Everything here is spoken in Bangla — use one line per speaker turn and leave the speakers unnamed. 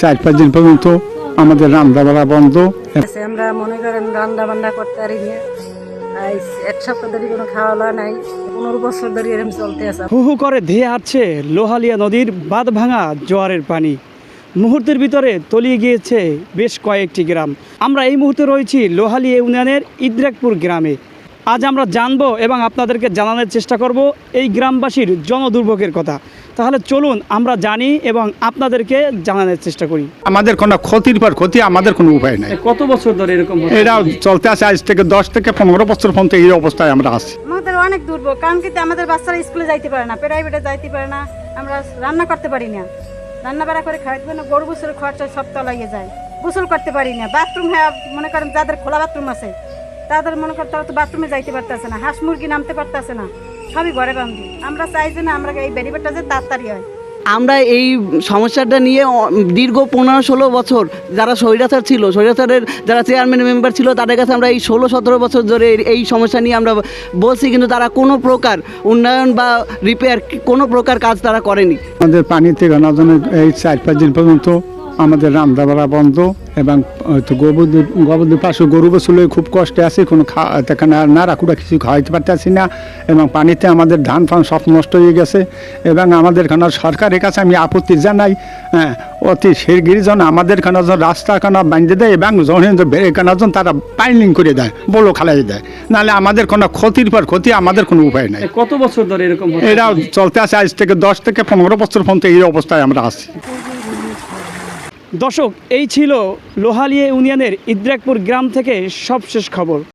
4-5 দিন পর্যন্ত আমাদের রান্না বাড়া বন্ধ।
আমরা মনে করেন রান্না বান্না করতে পারি না, এক সপ্তাহ ধরে কোনো খাওয়া দাওয়া নাই, 15 বছর ধরে এরকম চলতে আছে।
হু হু করে ধেয়ে আসছে লোহালিয়া নদীর বাঁধ ভাঙা জোয়ারের পানি। মুহূর্তের ভিতরে তলিয়ে গিয়েছে বেশ কয়েকটি গ্রাম। আমরা এই মুহূর্তে রয়েছি লোহালিয়া ইউনিয়নের ইদ্রাকপুর গ্রামে। আজ আমরা জানবো এবং আপনাদেরকে জানানোর চেষ্টা করব এই গ্রামবাসীর জনদুর্ভোগের কথা। তাহলে চলুন আমরা জানি এবং আপনাদেরকে জানানোর চেষ্টা করি।
আমাদের কোনো ক্ষতির পর ক্ষতি, আমাদের কোনো উপায় নাই।
কত বছর ধরে এরকম
এটা চলতে আছে আজ থেকে 10 থেকে 15 বছর পর্যন্ত এই অবস্থায় আমরা আছি।
আমাদের অনেক দুর্ভোগ, কারণ কি আমাদের বাচ্চারা স্কুলে যাইতে পারে না, প্রাইভেটে যাইতে পারে না, আমরা রান্না করতে পারি না, রান্না বাড়া করে খাইতে পারি না, গরু গোসলের খরচা সব তলাইয়ে যায়, গোসল করতে পারি না। বাথরুম হ্যাঁ মনে করেন যাদের খোলা বাথরুম আছে তাদের মনে করেন তারা তো বাথরুমে যাইতে পারতেছে না, হাঁস মুরগি নামতে পারতেছে না, সবই ঘরে বান্ধি। আমরা চাই যে না আমরা এই বেরিবেটটা যে তাড়াতাড়ি হয়।
আমরা এই সমস্যাটা নিয়ে দীর্ঘ 15-16 বছর যারা স্বৈরাচার ছিল, স্বৈরাচারের যারা চেয়ারম্যান মেম্বার ছিল তাদের কাছে আমরা এই 16-17 বছর ধরে এই সমস্যা নিয়ে আমরা বলছি, কিন্তু তারা কোনো প্রকার উন্নয়ন বা রিপেয়ার কোনো প্রকার কাজ তারা করেনি।
আমাদের পানিতে গানার জন্য এই 4-5 দিন পর্যন্ত আমাদের রান্না বাড়া বন্ধ এবং গোবরদের পাশে গরু বসলে খুব কষ্টে আছে, কোনো নাড়াকুড়া কিছু খাওয়াইতে পারতেছি না এবং পানিতে আমাদের ধান ফান সব নষ্ট হয়ে গেছে। এবং আমাদের খানা সরকারের কাছে আমি আপত্তি জানাই, হ্যাঁ অতি শিগগিরই যেন আমাদের খানা যেন রাস্তা খানা বাঁধে দেয় এবং যখন বেড়ে খানার জন্য তারা পাইলিং করে দেয়, বলো খালাই দেয়, নাহলে আমাদের কোনো ক্ষতির পর ক্ষতি, আমাদের কোনো উপায় নাই।
কত বছর ধরে এরকম
এটা চলতে আছে আজ থেকে 10 থেকে 15 বছর পর্যন্ত এই অবস্থায় আমরা আছি।
দর্শক, এই ছিল লোহালিয়া ইউনিয়নের ইদ্রাকপুর গ্রাম থেকে সবশেষ খবর।